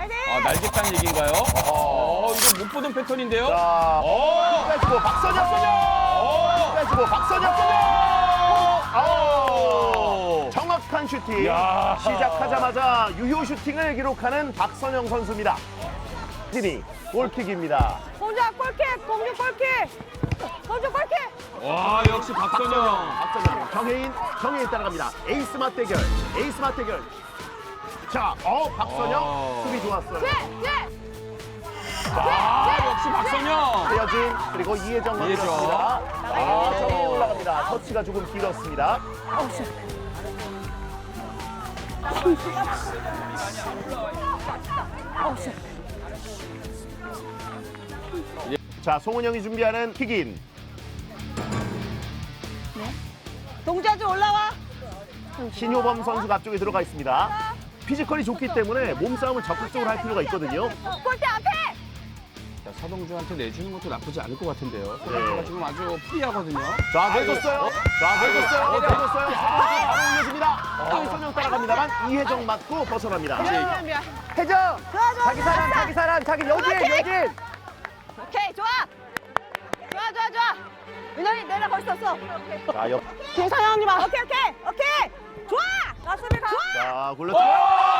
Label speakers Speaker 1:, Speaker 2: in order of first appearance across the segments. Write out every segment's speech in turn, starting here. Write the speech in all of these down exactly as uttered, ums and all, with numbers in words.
Speaker 1: 아, 날겠다는 얘기인가요? 어, 이거 못 보던 패턴인데요?
Speaker 2: 자,
Speaker 1: 어,
Speaker 2: 빼주고 박선영.
Speaker 1: 어,
Speaker 2: 빼주고 박선영.
Speaker 1: 오!
Speaker 2: 정확한 슈팅.
Speaker 1: 야.
Speaker 2: 시작하자마자 유효 슈팅을 기록하는 박선영 선수입니다. 진이 골킥입니다.
Speaker 3: 공주야 골킥! 공주 골킥! 공주 골킥!
Speaker 1: 와, 역시 박선영.
Speaker 2: 박선영, 정혜인, 정혜인 따라갑니다. 에이스 맞대결, 에이스 맞대결. 자, 어, 박선영
Speaker 1: 어.
Speaker 2: 수비 좋았어요.
Speaker 3: 뒤에! 뒤에!
Speaker 1: 아, 역시 박선영.
Speaker 2: 최여진 그리고 이혜정
Speaker 1: 이혜정.
Speaker 2: 올라갑니다. 아, 정혜인 올라갑니다. 터치가 조금 길었습니다. 자, 송은영이 준비하는 킥인.
Speaker 3: 동주야 좀 올라와!
Speaker 2: 신효범 선수가 앞쪽에 들어가 있습니다. 피지컬이 좋기 때문에 몸싸움을 적극적으로 할 필요가 있거든요.
Speaker 3: 골대 앞에!
Speaker 1: 자, 서동주한테 내주는 것도 나쁘지 않을 것 같은데요.
Speaker 2: 네.
Speaker 1: 서동주가 지금 아주 프리하거든요.
Speaker 2: 자, 내줬어요. 자, 내줬어요. 내줬어요. 바로 올려줍니다. 박선영 따라갑니다만 이혜정 맞고 벗어납니다.
Speaker 3: 미안 미안
Speaker 4: 혜정!
Speaker 3: 좋아 좋아
Speaker 4: 자기 사람, 자기 사람, 자기 여진,
Speaker 3: 오케이.
Speaker 4: 여진!
Speaker 3: 오케이 좋아! 좋아 좋아 좋아! 민현이 내려 거기 있었어
Speaker 2: 자, 옆.
Speaker 3: 김상현 언니 봐 오케이 오케이 오케이! 좋아! 나 수비 가! 좋아!
Speaker 2: 자, 굴렀어요.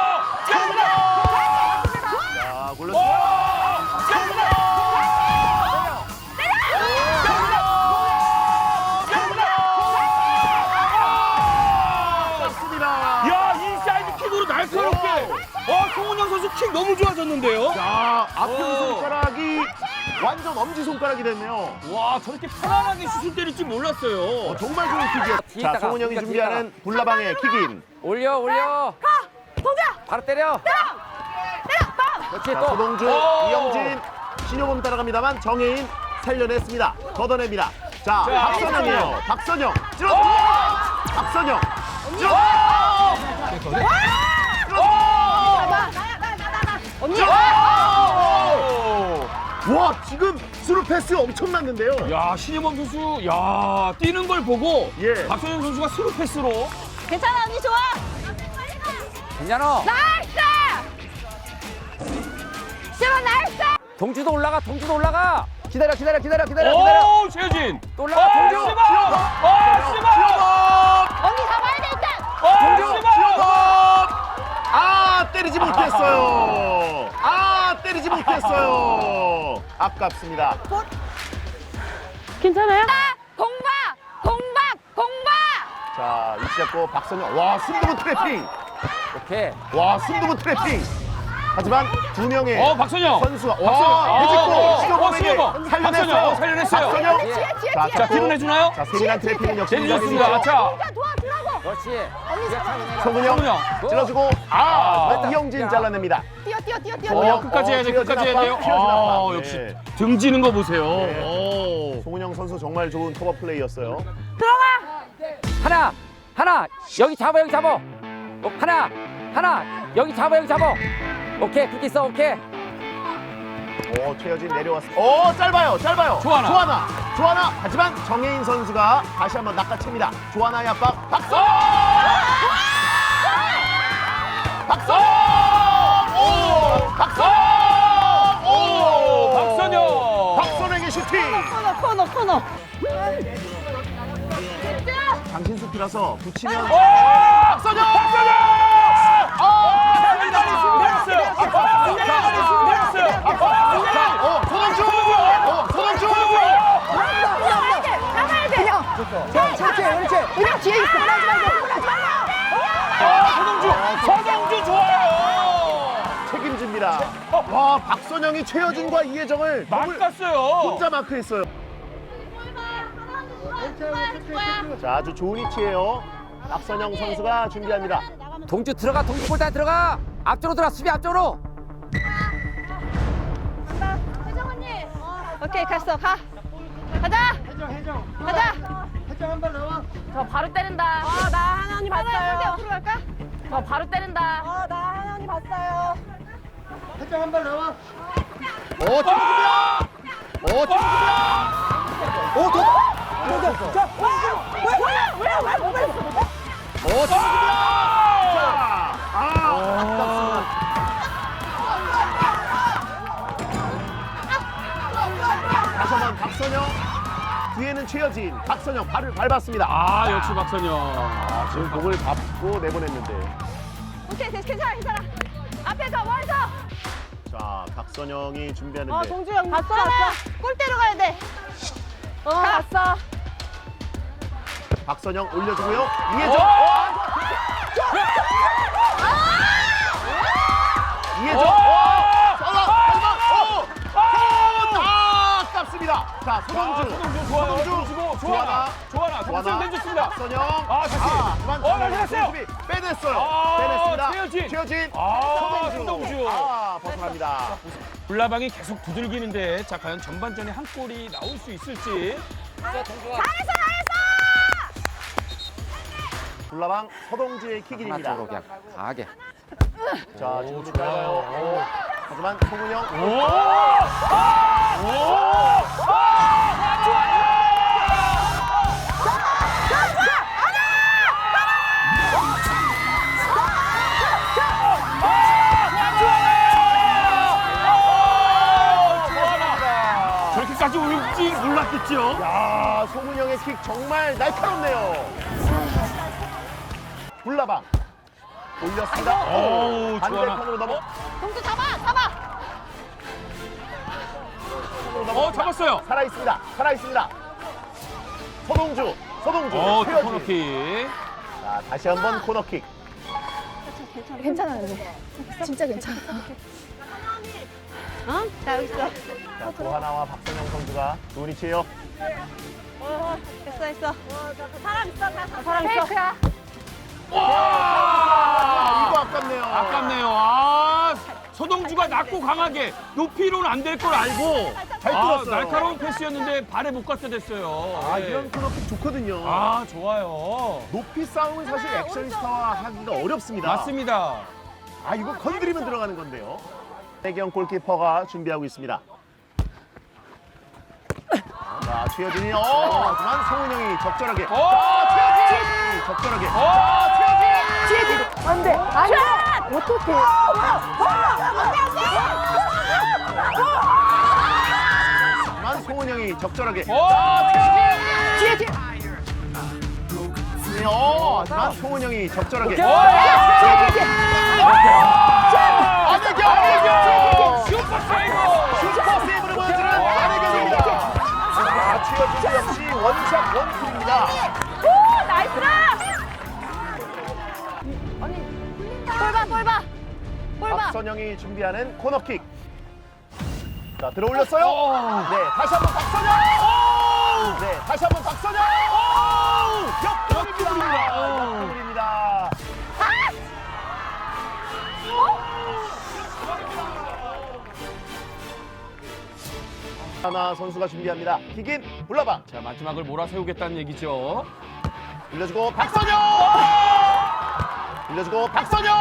Speaker 2: 자, 굴렀어요. 맞습니다.
Speaker 1: 야, 인사이드 킥으로 날카롭게. 어, 송은영 선수 킥 너무 좋아졌는데요?
Speaker 2: 자, 앞편
Speaker 1: 오.
Speaker 2: 손가락이 완전 엄지 손가락이 됐네요.
Speaker 1: 와, 저렇게 편안하게 슛을 때릴 줄 몰랐어요.
Speaker 2: 어, 정말 좋은 킥이에요. 자,
Speaker 4: 뒤에다가,
Speaker 2: 송은영이
Speaker 4: 뒤에다가.
Speaker 2: 준비하는 불나방의 킥인.
Speaker 4: 올려, 올려!
Speaker 3: 가! 동주야!
Speaker 4: 바로 때려!
Speaker 3: 때려! 빵!
Speaker 4: 그렇지,
Speaker 2: 자,
Speaker 4: 또!
Speaker 2: 서동주,
Speaker 1: 오.
Speaker 2: 이영진, 신효범 따라갑니다만 정혜인 살려냈습니다. 걷어냅니다. 자,
Speaker 1: 자,
Speaker 2: 박선영이에요. 박선영. 찔러줍니다. 박선영. 찔러줍니다.
Speaker 3: 나나 나 나 나 언니!
Speaker 2: 와, 지금 스루 패스 엄청났는데요.
Speaker 1: 야, 신혜범 선수, 야, 뛰는 걸 보고
Speaker 2: 예.
Speaker 1: 박선영 선수가 스루 패스로.
Speaker 3: 괜찮아 언니 좋아!
Speaker 4: 괜찮아!
Speaker 3: 나이스! 시원 나이스!
Speaker 4: 동주도 올라가, 동주도 올라가! 기다려, 기다려, 기다려, 기다려, 기다려!
Speaker 1: 오, 최효진.
Speaker 4: 또 올라가,
Speaker 1: 어,
Speaker 4: 동주!
Speaker 1: 시범! 어, 시범!
Speaker 3: 언니 잡아야 돼 일단!
Speaker 1: 어,
Speaker 4: 동주!
Speaker 1: 시범!
Speaker 2: 아, 때리지 못했어요. 아, 때리지 못했어요. 아깝습니다.
Speaker 3: 괜찮아요? 공박! 공박! 공박!
Speaker 2: 자, 위치 잡고 박선영. 와, 승부분 트래핑.
Speaker 4: 오케이.
Speaker 2: 와, 승부분 트래핑. 하지만 두 명의
Speaker 1: 어, 박선영.
Speaker 2: 선수가
Speaker 1: 박선영.
Speaker 2: 와,
Speaker 1: 어,
Speaker 2: 해집고
Speaker 1: 어,
Speaker 2: 신호범에게
Speaker 1: 신호범.
Speaker 2: 살려냈어요.
Speaker 1: 박선영, 살려냈어요.
Speaker 2: 박선영.
Speaker 3: 뒤에 뒤에
Speaker 2: 자,
Speaker 3: 뒤에!
Speaker 2: 자,
Speaker 1: 뒤로 내주나요?
Speaker 2: 자, 세밀한 트래핑은 역시
Speaker 1: 내주셨습니다.
Speaker 2: 인정해주죠.
Speaker 1: 자,
Speaker 3: 동주야 도와주라고!
Speaker 4: 그렇지.
Speaker 3: 언니 잡아!
Speaker 2: 송은영
Speaker 1: 송은영.
Speaker 2: 찔러주고 아,
Speaker 1: 아.
Speaker 2: 이영진 잘라냅니다.
Speaker 3: 뛰어 뛰어 뛰어 뛰어!
Speaker 1: 어,
Speaker 3: 뛰어.
Speaker 1: 끝까지 해야 돼,
Speaker 2: 튀어진
Speaker 1: 끝까지 해야 돼요.
Speaker 2: 압박, 튀어진
Speaker 1: 아,
Speaker 2: 압박.
Speaker 1: 역시
Speaker 2: 네.
Speaker 1: 등지는 거 보세요.
Speaker 2: 네.
Speaker 1: 오.
Speaker 2: 송은영 선수 정말 좋은 커버 플레이였어요.
Speaker 4: 하나, 하나, 여기 잡아, 여기 잡아! 어, 하나, 하나, 여기 잡아, 여기 잡아! 오케이, 그렇게 있어, 오케이.
Speaker 2: 오, 최여진 내려왔습니다. 오, 짧아요, 짧아요.
Speaker 1: 조하나.
Speaker 2: 조하나, 조하나. 하지만 정혜인 선수가 다시 한번 낚아챕니다. 조하나의 압박, 박선영! 박선영! 오! 박선영!
Speaker 1: 오, 박선영.
Speaker 2: 박선영의 슈팅!
Speaker 3: 코너 코너 코너!
Speaker 2: 장신수피라서 붙이면
Speaker 1: 박선영! 박선영!
Speaker 2: 아!
Speaker 1: 승리단이 승리했어요. 승리단이 승리했어요.
Speaker 2: 자, 어, 손흥주! 어, 손흥주!
Speaker 3: 나가야 돼! 나가야 돼!
Speaker 4: 그렇지, 그렇지.
Speaker 3: 그냥 뒤에 있어! 나가지 말고! 나가지 말고!
Speaker 1: 아, 서동주! 서동주 좋아요!
Speaker 2: 책임집니다. 와, 박선영이 최여진과 이혜정을 더블
Speaker 1: 막았어요.
Speaker 2: 혼자 마크했어요. 자, 아주 좋은 위치예요. 박선영 선수가 준비합니다.
Speaker 4: 동주 들어가, 동주 골대 들어가! 앞쪽으로 들어가, 수비 앞쪽으로!
Speaker 3: 혜정 언니! 오케이 갔어 가! 가자! 가자!
Speaker 5: 저 바로 때린다.
Speaker 3: 어, 나 하나 언니 봤어요.
Speaker 5: 하나
Speaker 3: 앞으로 갈까?
Speaker 5: 저 바로 때린다.
Speaker 3: 어, 나 하나 언니 봤어요.
Speaker 2: 오, 팀입니다. 오, 팀입니다. 오, 도.
Speaker 3: 자, 왜, 왜, 왜, 왜, 왜, 왜?
Speaker 2: 오, 팀입니다. 자, 아, 아깝습니다. 박선영 뒤에는 최여진, 박선영 발을 밟았습니다.
Speaker 1: 아, 역시 박선영.
Speaker 2: 아, 지금 공을 밟고 내보냈는데.
Speaker 3: 오케이, 됐어, 괜찮아, 괜찮아. 앞에서, 멀서.
Speaker 2: 자, 박선영이 준비하는데.
Speaker 3: 어, 동주영 봤어, 봤어. 골대로 가야 돼. 어, 봤어.
Speaker 2: 박선영 올려주고요. 이혜정.
Speaker 1: 어!
Speaker 2: 이혜정.
Speaker 1: 어!
Speaker 2: 아, 아깝습니다. 자, 소동주.
Speaker 1: 소동주 좋아요.
Speaker 2: 소동주.
Speaker 1: 좋아나.
Speaker 2: 조하나.
Speaker 1: 좋아나. 박선영 내줬습니다.
Speaker 2: 박선영.
Speaker 1: 아, 다시.
Speaker 2: 그만
Speaker 1: 어, 다시 갔어요.
Speaker 2: 수비 빼냈어요.
Speaker 1: 아,
Speaker 2: 빼냈습니다.
Speaker 1: 최여진.
Speaker 2: 최여진.
Speaker 1: 아,
Speaker 2: 소동주.
Speaker 1: 소동주.
Speaker 2: 아, 벗어납니다.
Speaker 1: 불나방이 계속 두들기는데 자 과연 전반전에 한 골이 나올 수 있을지.
Speaker 3: 잘했어, 잘했어.
Speaker 2: 불나방 서동주의
Speaker 4: 하나
Speaker 2: 킥인입니다.
Speaker 4: 쪽으로 그냥 강하게.
Speaker 2: 자, 지금도 짧아요. 오. 하지만 송은영.
Speaker 1: 오! 오! 저렇게까지 올지 몰랐겠죠?
Speaker 2: 야, 송은영의 킥 정말 날카롭네요. 불나방 올렸습니다.
Speaker 1: 오,
Speaker 2: 반대편으로 넘어.
Speaker 3: 동주 잡아, 잡아.
Speaker 1: 어, 잡았어요.
Speaker 2: 살아 있습니다. 살아 있습니다. 서동주, 서동주,
Speaker 1: 어,
Speaker 2: 최여진.
Speaker 1: 코너킥.
Speaker 2: 자, 다시 한번 코너킥.
Speaker 3: 괜찮아, 근데. 진짜 괜찮아. 어? 나 여기 있어.
Speaker 2: 자, 조하나와 박선영 선수가 좋은 위치예요.
Speaker 3: 어, 됐어, 됐어. 사람 있어, 사람 있어. 페이크야.
Speaker 2: 아, 이거
Speaker 1: 와!
Speaker 2: 아깝네요.
Speaker 1: 아깝네요. 아, 서동주가 낮고 강하게 높이로는 안 될 걸 알고
Speaker 2: 잘
Speaker 1: 아,
Speaker 2: 뚫었어요.
Speaker 1: 날카로운 패스였는데 발에 못 갔다 됐어요.
Speaker 2: 아,
Speaker 1: 네.
Speaker 2: 이런 코너킥 좋거든요.
Speaker 1: 아, 좋아요.
Speaker 2: 높이 싸움은 사실 액션스타와 하기가 어렵습니다.
Speaker 1: 맞습니다.
Speaker 2: 아, 이거 건드리면 들어가는 건데요. 배경 골키퍼가 준비하고 있습니다. 자, 최여진이 어, 하지만 송은영이 적절하게.
Speaker 1: 오!
Speaker 2: 자, 최여진 적절하게.
Speaker 1: 오!
Speaker 2: 자, 최여진.
Speaker 3: 뒤에, 안 돼. 안 돼. 어떡해.
Speaker 2: 하지만 송은영이 적절하게.
Speaker 1: 오!
Speaker 3: 뒤에, 뒤에.
Speaker 2: 네, 어, 하지만 송은영이 적절하게.
Speaker 1: 오!
Speaker 3: 뒤에, 뒤에, 뒤에.
Speaker 2: 안혜경!
Speaker 1: 안혜경! 슈퍼 세이브!
Speaker 2: 슈퍼 세이브를 보여주는 안혜경입니다. 자, 최여진 역시 원샷 원킬입니다.
Speaker 3: 오, 나이스라. 볼 봐, 볼 봐. 볼 봐.
Speaker 2: 박선영이 준비하는 코너킥. 자, 들어올렸어요.
Speaker 1: 오!
Speaker 2: 네, 다시 한번 박선영. 네, 다시 한번 박선영. 역전입니다. 역전입니다. 하나 선수가 준비합니다. 킥인 불나방.
Speaker 1: 자, 마지막을 몰아세우겠다는 얘기죠.
Speaker 2: 올려주고 박선영. 올려주고 박선영.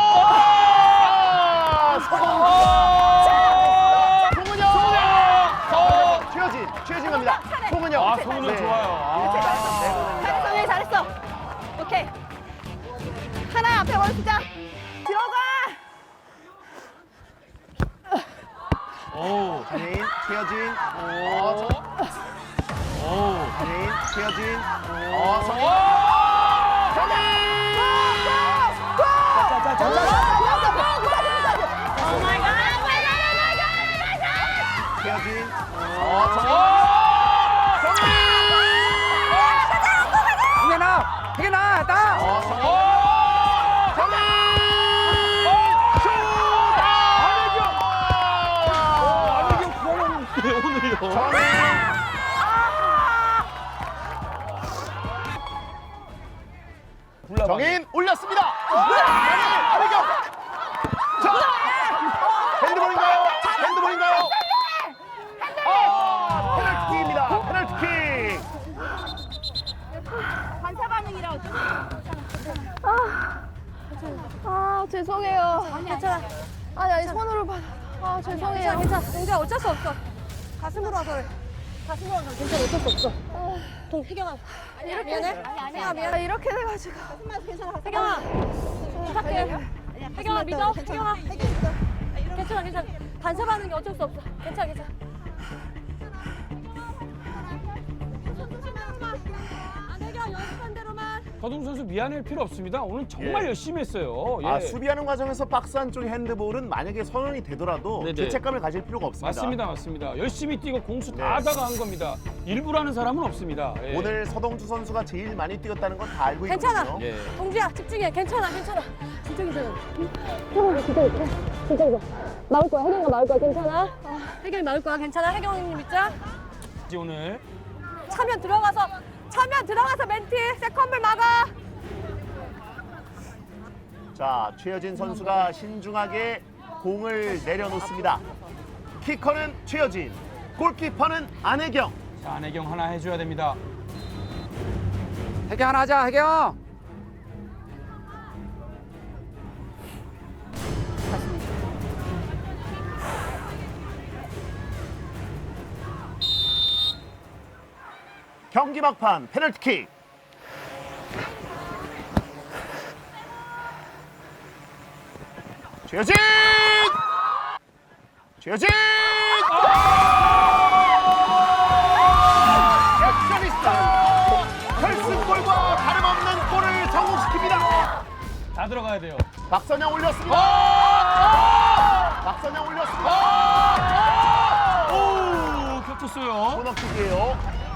Speaker 2: 송은영. 송은영. 최여진. 최여진 갑니다. 송은영.
Speaker 1: 아, 송은영 좋아요.
Speaker 2: 이렇게
Speaker 1: 아.
Speaker 2: 나서 내보냅니다.
Speaker 3: 잘했어, 예, 잘했어. 오케이. 하나 앞에 원수자. 들어가.
Speaker 1: 오.
Speaker 2: 한예인, 최여진.
Speaker 1: 오.
Speaker 2: 어,
Speaker 1: 오.
Speaker 2: 한예인, 최여진. 어, 성인. 최여진. 어, 성인.
Speaker 4: 희gen아, 희gen아, 나.
Speaker 2: 어, 성인.
Speaker 1: 오늘요.
Speaker 2: 성인. 정인 올렸습니다. 안혜경. 자, 핸드볼인가요? 핸드볼인가요? 아, 페널티입니다. 페널티킥.
Speaker 3: 반사 반응이라 어쩌 아, 아 죄송해요. 괜찮아. 아, 나 손으로 받아. 아, 죄송해요. 괜찮아. 동자 어쩔 수 없어. 가슴으로 와서 그래. 가슴으로 와서 괜찮아. 어쩔 수 없어. 동, 혜경아. 이렇게 미안해? 아니, 아니, 아니. 미안해. 이렇게 돼가지고. 가슴만 괜찮아. 혜경아. 부탁해. 혜경아, 믿어. 혜경아. 괜찮아, 괜찮아. 반사 반응이 어쩔 수 없어. 괜찮아, 괜찮아.
Speaker 1: 서동 선수 미안할 필요 없습니다. 오늘 정말
Speaker 2: 예.
Speaker 1: 열심히 했어요. 예.
Speaker 2: 아, 수비하는 과정에서 박스 안쪽 핸드볼은 만약에 선언이 되더라도
Speaker 1: 네네.
Speaker 2: 죄책감을 가질 필요가 없습니다.
Speaker 1: 맞습니다, 맞습니다. 열심히 뛰고 공수 다
Speaker 2: 네.
Speaker 1: 하다가 한 겁니다. 일부러 하는 사람은 없습니다. 예.
Speaker 2: 오늘 서동주 선수가 제일 많이 뛰었다는 건 다 알고
Speaker 3: 괜찮아.
Speaker 2: 있거든요.
Speaker 1: 예.
Speaker 3: 동주야 집중해. 괜찮아 괜찮아. 진짜 괜찮아. 형아 진짜 괜찮아. 진짜 괜찮아. 나올 거야. 혜경이가 나올 거야. 괜찮아. 아, 혜경이 나올 거야. 괜찮아. 혜경님 있자.
Speaker 1: 이제 오늘
Speaker 3: 차면 들어가서 차면 들어가서 멘티 세컨볼 막아.
Speaker 2: 자, 최여진 선수가 신중하게 공을 내려놓습니다. 키커는 최여진, 골키퍼는 안혜경.
Speaker 1: 자, 안혜경 하나 해줘야 됩니다.
Speaker 4: 혜경 하나 하자, 혜경.
Speaker 2: 경기 막판 페널티킥. 최여진! 최여진! 액션이스타! 결승골과 다름없는 골을 성공시킵니다.
Speaker 1: 다 들어가야 돼요.
Speaker 2: 박선영 올렸습니다. 박선영 올렸습니다.
Speaker 1: 오, 겹쳤어요.
Speaker 2: 코너킥이에요.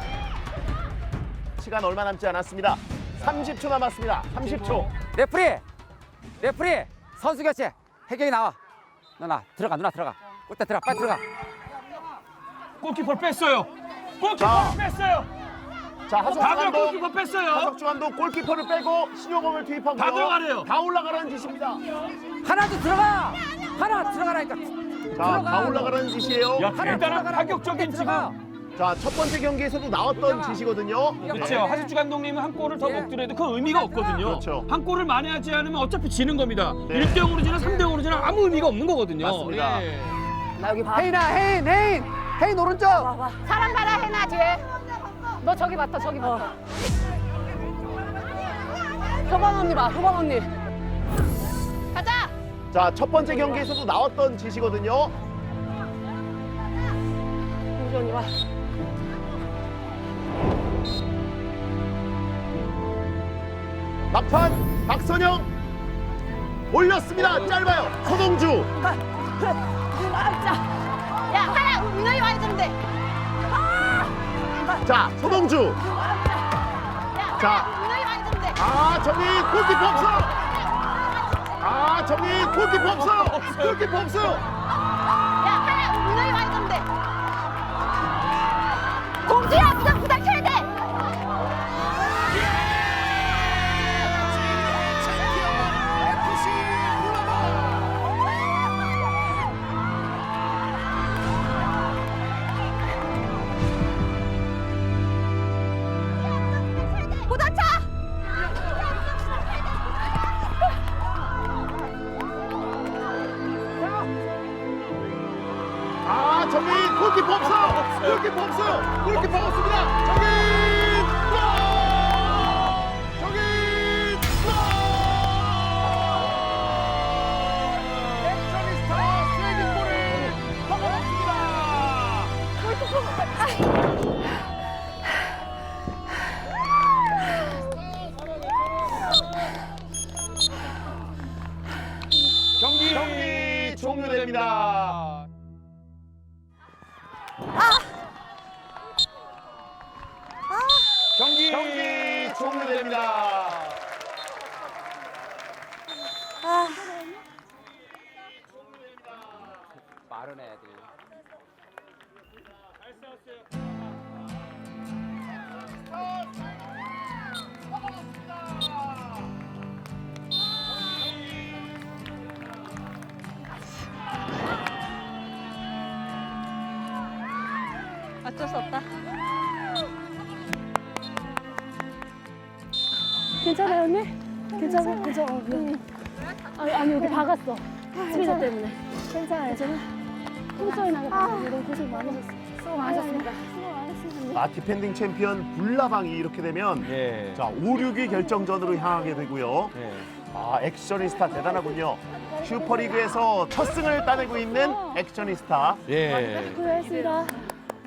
Speaker 2: 시간 얼마 남지 않았습니다. 삼십 초 남았습니다. 삼십 초.
Speaker 4: 레프리, 레프리, 선수 교체. 혜경이 나와. 누나 들어가, 누나 들어가. 골대 들어가, 빨리 들어가.
Speaker 1: 골키퍼를 뺐어요. 골키퍼를
Speaker 2: 자.
Speaker 1: 뺐어요.
Speaker 2: 자, 하석주
Speaker 1: 다들
Speaker 2: 감독.
Speaker 1: 골키퍼 뺐어요.
Speaker 2: 하석주 감독 골키퍼를 빼고 신효범을 투입하고요.
Speaker 1: 다 들어가래요.
Speaker 2: 다 올라가라는 짓입니다.
Speaker 4: 하나도 들어가. 하나 들어가라니까.
Speaker 2: 자, 다 올라가라는 짓이에요.
Speaker 1: 야,
Speaker 4: 하나
Speaker 1: 대단한
Speaker 4: 들어가라고.
Speaker 1: 파격적인
Speaker 4: 골대 들어가.
Speaker 1: 지금.
Speaker 2: 자, 첫 번째 경기에서도 나왔던 짓이거든요.
Speaker 1: 그렇죠. 하석주 감독님은 한 골을 더
Speaker 4: 예.
Speaker 1: 먹더라도 그 의미가 없거든요.
Speaker 2: 그렇죠.
Speaker 1: 한 골을 만회하지 않으면 어차피 지는 겁니다.
Speaker 2: 네.
Speaker 1: 일 대 영으로 지나 삼 대 영으로 지나 아무 의미가 없는 거거든요.
Speaker 2: 맞습니다.
Speaker 1: 예.
Speaker 4: 나 여기 혜인아, 혜인, 혜인, 혜인 오른쪽.
Speaker 5: 사람 봐라 해나 뒤에. 너 저기 봤다 저기 봤다.
Speaker 3: 효방 언니 봐. 효방 언니.
Speaker 5: 가자.
Speaker 2: 자, 첫 번째 경기에서도 나왔던 짓이거든요.
Speaker 3: 동주 언니 와.
Speaker 2: 막판 박선영 올렸습니다. 짧아요. 서동주.
Speaker 5: 야 하나 민호이 와야 되는데.
Speaker 2: 자, 서동주.
Speaker 5: 야
Speaker 2: 자.
Speaker 5: 하나 민호이 와야 되는데.
Speaker 2: 아, 저기 골키퍼 없어. 아, 저기 골키퍼 없어. 골키퍼 없어.
Speaker 5: 야 하나 민호이 와야 되는데. 공주야 부담 부담해야 돼. 부담차.
Speaker 2: 아, 저기 골키퍼 없어. 골키퍼 없어. 골키퍼 없습니다. 저기 골! 저기 골! 액션이스타 세기골을 먹어봤습니다.
Speaker 1: 경기,
Speaker 2: 경기 종료됩니다.
Speaker 1: 경기,
Speaker 2: 경기 종료됩니다.
Speaker 4: 빠른 애들.
Speaker 3: 어쩔 수 없다. 괜찮아요 언니? 괜찮아? 괜찮아. 응. 아니, 아니 여기 박았어. 스피드 때문에. 괜찮아요. 괜찮아? 콩소리 나겠다. 너무 고생 많으셨어. 수고 많으셨습니다. 수고 많으셨습니다.
Speaker 2: 아, 디펜딩 챔피언 불나방이 이렇게 되면
Speaker 1: 예.
Speaker 2: 자, 오, 육위 결정전으로 향하게 되고요.
Speaker 1: 예.
Speaker 2: 아, 액션이스타 대단하군요. 슈퍼리그에서 첫 승을 따내고 있는 액션이스타.
Speaker 1: 예.
Speaker 3: 고생하셨습니다.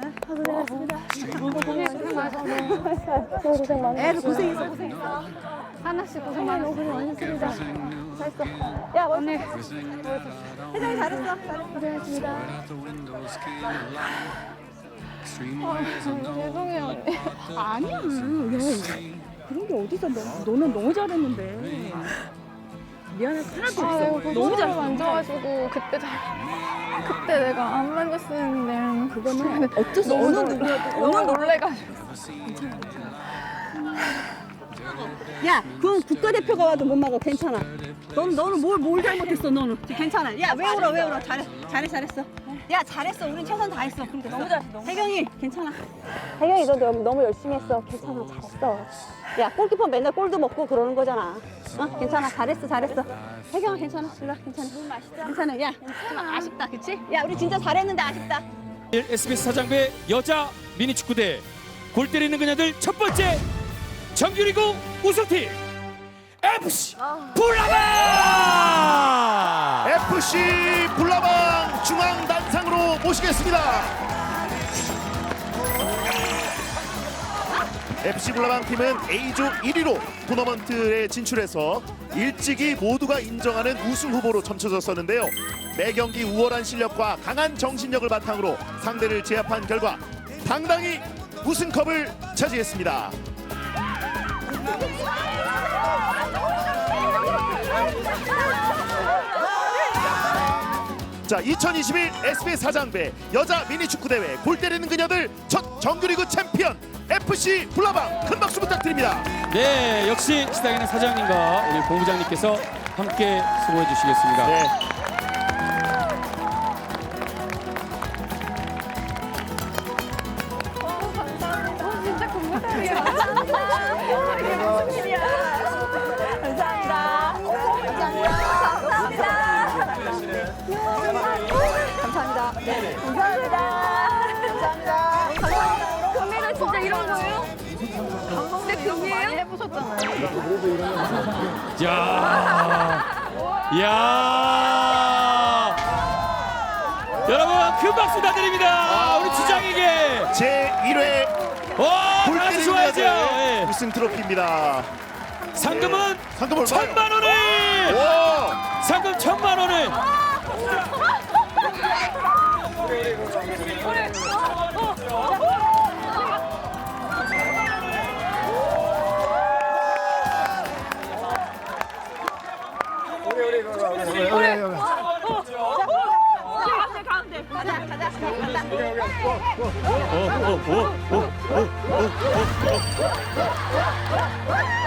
Speaker 3: 고생하셨습니다. 고생 많으셨네. 고생 많으셨어. 애들 고생했어, 고생했어.
Speaker 5: 하나씩 고생 많았어.
Speaker 3: 고생 많으셨습니다. 잘했어. 야, 언니. 회장님 잘했어. 고생하셨습니다. 아, 죄송해요, 언니.
Speaker 6: 아니야. 야, 그런 게 어디서 너, 너는 너무 잘했는데. 미안할 거 하나도
Speaker 3: 아,
Speaker 6: 없어.
Speaker 3: 내가
Speaker 6: 너무
Speaker 3: 너무 잘
Speaker 6: 잘했어.
Speaker 3: 만져가지고 그때 잘 그때 내가 안 만졌었는데
Speaker 6: 그거는 어쩔 수
Speaker 3: 너무
Speaker 6: 어느
Speaker 3: 놀-
Speaker 6: 누구라도
Speaker 3: 너무 놀래가지고
Speaker 6: 야, 그건 국가대표가 와도 못 막아. 괜찮아. 넌 너는 뭘 뭘 잘못했어. 너는 괜찮아. 야, 왜 울어? 왜 울어? 잘해, 잘해, 잘했어. 야, 잘했어. 우린 최선 다했어. 그러니까 너무 잘했어. 너무 혜경이 괜찮아.
Speaker 3: 혜경이 너 너무, 너무 열심히 했어. 괜찮아, 잘했어.
Speaker 6: 야, 골키퍼 맨날 골도 먹고 그러는 거잖아. 어? 괜찮아. 잘했어, 잘했어. 혜경아, 괜찮아. 일로 와, 괜찮아. 괜찮아. 야, 좀 아쉽다, 그치? 야, 우리 진짜 잘했는데 아쉽다.
Speaker 1: 에스비에스 사장배 여자 미니축구대 골 때리는 그녀들 첫 번째 정규리그 우승팀 에프씨 불나방.
Speaker 2: 에프씨 불나방 중앙 단상으로 모시겠습니다. 에프씨 불나방 팀은 A조 일 위로 토너먼트에 진출해서 일찍이 모두가 인정하는 우승 후보로 점쳐졌었는데요. 매 경기 우월한 실력과 강한 정신력을 바탕으로 상대를 제압한 결과 당당히 우승컵을 차지했습니다. 자, 이천이십일 에스비에스 사장배 여자 미니축구대회 골 때리는 그녀들 첫 정규리그 챔피언 에프씨 불나방 큰 박수 부탁드립니다.
Speaker 1: 네, 역시 시작에는 사장님과 우리 본부장님께서 함께 수고해 주시겠습니다.
Speaker 2: 네.
Speaker 3: 어, 진짜 공부다리야. 이게 무슨 일이야? 감사합니다. 감사합니다. 감사합니다. 감사합니다. 감사합니다. 감사합니다. 금메달 진짜 이런 거예요? 근데 금이에요? 해보셨잖아요.
Speaker 1: 야, 야, 여러분 큰 박수 다 드립니다. 우리 주장에게.
Speaker 2: 제일 회
Speaker 1: 와,
Speaker 2: 골
Speaker 1: 박수
Speaker 2: 때리는
Speaker 1: 좋아야죠.
Speaker 2: 그녀들
Speaker 1: 예.
Speaker 2: 우승 트로피입니다.
Speaker 1: 상금은
Speaker 2: 상금 얼마요?
Speaker 1: 천만 원을.
Speaker 2: 오!
Speaker 1: 상금 천만 원을.
Speaker 3: 가운데 가운데 가자 가자 가자